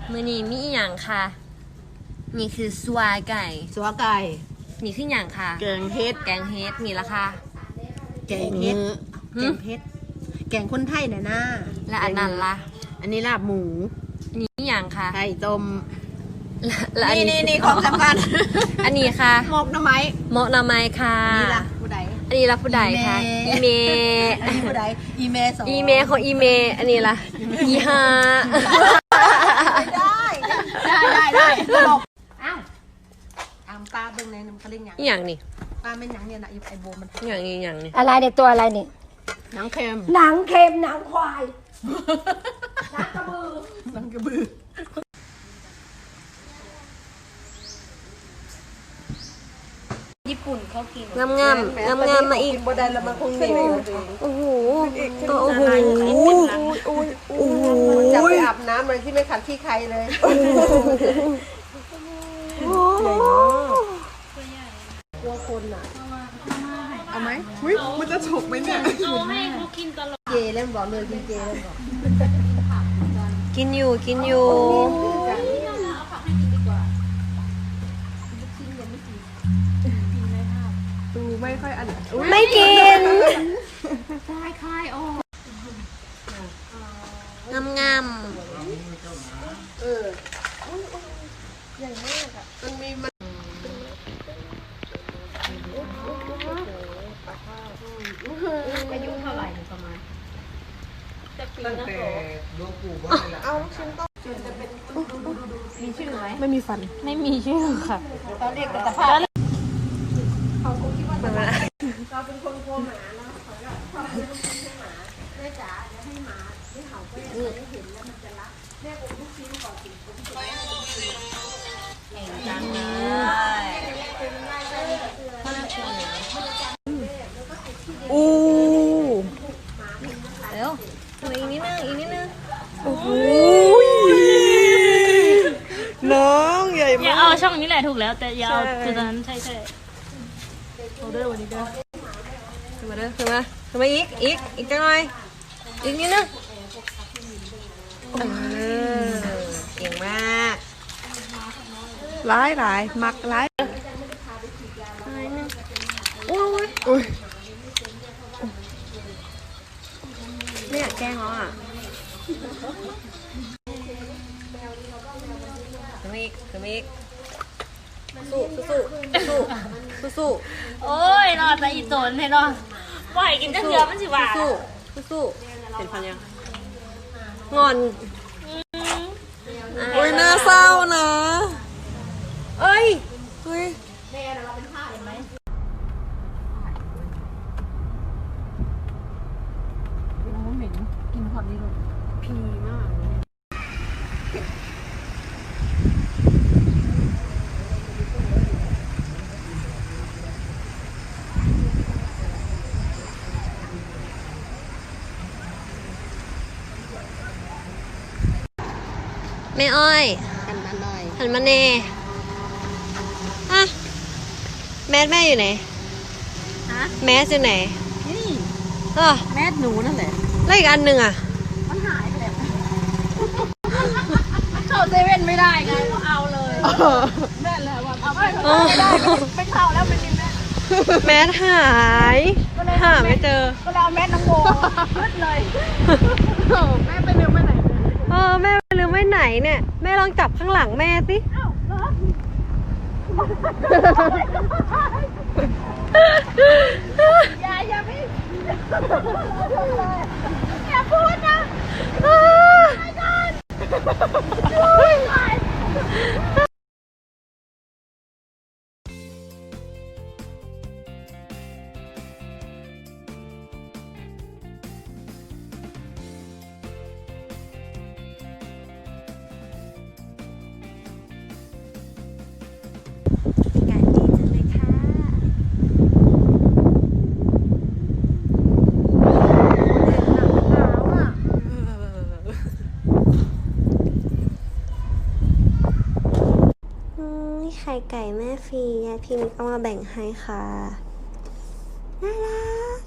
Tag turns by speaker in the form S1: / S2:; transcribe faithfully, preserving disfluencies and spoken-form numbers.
S1: มื้อนี้มีอีหยังค่ะนี่คือสัวไก่
S2: สัวไก่
S1: นี่คือหยังค่ะ
S2: แกงเฮ็ด
S1: แกงเฮ็ดมีราคา
S2: แกงเฮ็ด
S1: หึ
S2: แกงเฮ็ดแกงคนไทยน่ะนะ
S1: และอันนั้นล่ะ
S2: อันนี้ลาบหมู
S1: นี่อีหยังค่ะ
S2: ไข่ต้ม
S1: และและอัน
S2: นี่
S1: นี้
S2: นี่นี่ของสำคัญ
S1: อันนี้ค่ะ
S2: หมกหน่อไม้
S1: เหมาะนาไม้ค่ะ
S2: นี่ล่ะผู้ใด
S1: อันนี้ละผู้ใดค่ะอีเม
S2: อันนี้ผู้ใดอีเมสอง
S1: อีเมของอีเมอันนี้ล่ะอีฮา
S2: ได้ได้ได้ได้ตลกอ้าวอามปลาเบิ่งในน้ำเขาเรียกหยัง
S1: อีหยังนี่
S2: ปลาเป็นหยังเนี่ยนะไอโบมัน
S1: อีหยังนี่อีหยังนี่
S3: อะไรเด็กตัวอะไรเนี่ย
S2: หนังเค็ม
S3: หนังเค็มหนังควาย
S2: หนังกระบือ
S3: ญี่ปุ่นเขากิน
S1: งามงามงามงามๆมาอีก
S2: บ่ได้แล้วมันคงเหนื่อย
S1: โอ้โหโอ้โหโอ้โห
S2: จะไปอาบน้ำอะไรที่ไม่ขัดที่ใครเลยกลัวคนอ่ะเอาไหมอุ้ยมันจะฉกไหมเนี่ยเจเล่นบอกเลยกินเจเล่นบอก
S1: กินอยู่กินอยู่
S2: ดูไม่ค่อยอัน
S1: ไม่กินงามงาม
S2: เออใหญ่มากอ่ะมันมีมันอายุเท่าไหร่ประมาณตั้งแต่หลวงปู่ว่าเอาลูกชิ้นต้มจะเป็นมีชื่อไหมไม่มีฟัน
S3: ไม่มีชื่อค่ะ
S2: ตอนเรียกแต่ภาพเขาคงคิดว่าเราเป็นคนกลัวหมาเนาะเขาก็ชอบเป็นลูกชิ้นให้หมาแม่จ๋าจะให้หมาที่เห่าก็ยังไม่เห็นแล้วมันจะรักแม่ผมลูกชิ้นก่อนสิผมจะได้ลูกชิ้น
S1: จังเลย
S2: อู้
S1: เร็วทำอีกนิดนึงอีกนิดนึง
S2: โอ้โหน้องใหญ่
S3: อย่าม
S2: าก
S3: เอาช่องนี้แหละถูกแล้ว แต่อย่าเอาจุดนั้นใช่ใช่เอาด้วยวันนี้ด้วย
S1: ขึ้นมาเด้อขึ้นมาขึ้นมาอีกอีกอีกจังหน่อยอีกนิดนึงเออเก่งมาก
S2: ร้ายร้ายมักร้าย
S1: โอ้ย
S2: อุ้ย
S1: ไม่อยากแกล้งเขาอ่ะขึ้นมาอีกขึ้นมาอีกสู้สู้สู้สู้สู้
S3: โอ้ยนอนแต่อีโจนให้นอนปล่อยกินจะเถื่อมันสิว่า
S1: สู้สู้สู้เห็นฟันยังงอน
S2: อุ้ยน่าเศร้านะ
S1: เอ้ย
S2: เฮ้ยพีมาก
S1: แม่อ้อย
S2: หันมาหน่อย
S1: หันมาเน่อะแมสแม่อยู่ไหน
S2: ฮะ
S1: แมสอยู่ไหน
S2: นี่
S1: เออ
S2: แม่หนูนั่นแหละ
S1: แล้วอีกอันหนึ่งอ่ะ
S2: มันหายไปแล้ว
S3: เข้าเซเว่นไม่ได้ไงก็เอาเลย
S2: แม่แล้วว่าเอาไป
S1: อ๋อ
S2: ไม่เข้าแล้วไม่มีแม่
S1: แมสหายหาไม่เจอ
S2: ก็เลยเอาแม่น้องโมขึ้นเลยแม่ไปเร็วไปไหน
S1: เออแม่ลืมไว้ไหนเนี่ย แม่ลองจับข้างหลังแม่สิ
S2: อย่าอย่าไม่อย่าพูดนะ
S1: อากาศดีจังเลยค่ะไข่ไก่แม่ฟรียายพิมพ์เอามาแบ่งให้ค่ะน่ารัก